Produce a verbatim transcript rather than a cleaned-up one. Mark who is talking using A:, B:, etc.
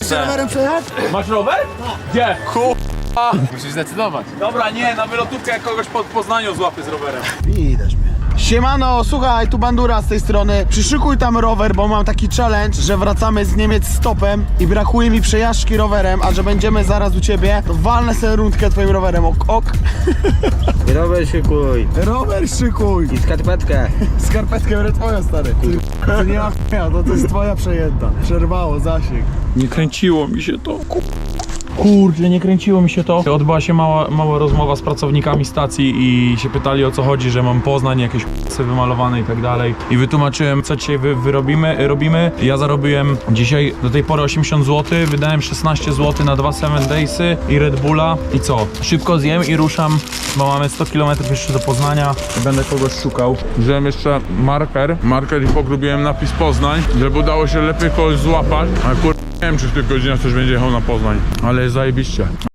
A: się rowerem przejechać?
B: Masz rower? Gdzie?
C: Kurwa. Musisz zdecydować.
B: Dobra, nie, na wylotówkę jak kogoś pod Poznaniu złapię z rowerem.
A: Widać mnie. Siemano, słuchaj, tu Bandura z tej strony. Przyszykuj tam rower, bo mam taki challenge, że wracamy z Niemiec stopem i brakuje mi przejażdżki rowerem, a że będziemy zaraz u ciebie, to walnę sobie rundkę twoim rowerem, ok, ok.
D: Rower szykuj.
A: Rower szykuj.
D: I skarpetkę.
A: Skarpetkę biorę twoją, stary. Ty, to nie ma ch**a, to, to jest twoja przejęta. Przerwało zasięg.
B: Nie kręciło mi się to. Kurczę, nie kręciło mi się to. Odbyła się mała, mała rozmowa z pracownikami stacji i się pytali, o co chodzi, że mam Poznań, jakieś k***y wymalowane i tak dalej. I wytłumaczyłem, co dzisiaj wy, wyrobimy, robimy. Ja zarobiłem dzisiaj do tej pory osiemdziesiąt złotych, wydałem szesnaście złotych na dwa seven daysy i Red Bulla. I co? Szybko zjem i ruszam, bo mamy sto kilometrów jeszcze do Poznania. Będę kogoś szukał. Wziąłem jeszcze marker, marker i pogrubiłem napis Poznań, żeby udało się lepiej kogoś złapać. Ale kur... nie wiem, czy w tych godzinach ktoś będzie jechał na Poznań, ale jest zajebiście.